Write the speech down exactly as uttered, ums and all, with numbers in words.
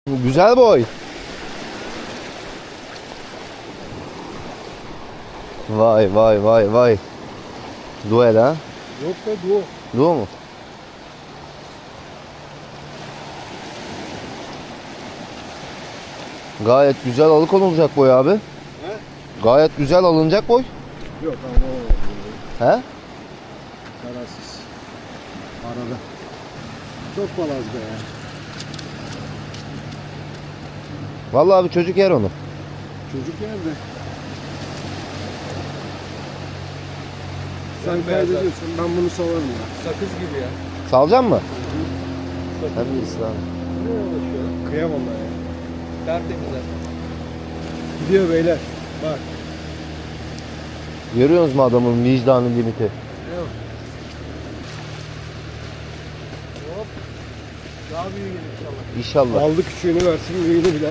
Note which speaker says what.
Speaker 1: Güzel boy. Vay vay vay vay. Duel ha?
Speaker 2: Yok be duo.
Speaker 1: Duo mu? Gayet güzel alıkonulacak boy abi.
Speaker 2: He?
Speaker 1: Gayet güzel alınacak boy.
Speaker 2: Yok ama o
Speaker 1: He?
Speaker 2: kararsız. Arada. Çok balaz be ya.
Speaker 1: Vallahi abi çocuk yer onu.
Speaker 2: Çocuk yerde. Sen kaydediyorsun. Ben bunu salarım ya.
Speaker 3: Sakız gibi ya.
Speaker 1: Salacak mı?
Speaker 3: Sakız
Speaker 1: Hadi
Speaker 3: gibi.
Speaker 1: İslam.
Speaker 3: Ne uğraşıyor?
Speaker 2: Kıyamam ben ya.
Speaker 3: Tertemiz zaten.
Speaker 2: Gidiyor beyler. Bak.
Speaker 1: Görüyorsunuz mu adamın vicdanı limiti?
Speaker 3: Yok. Hop. Daha büyük gelir inşallah.
Speaker 1: İnşallah.
Speaker 2: Aldı küçüğünü versin büyüğünü bile.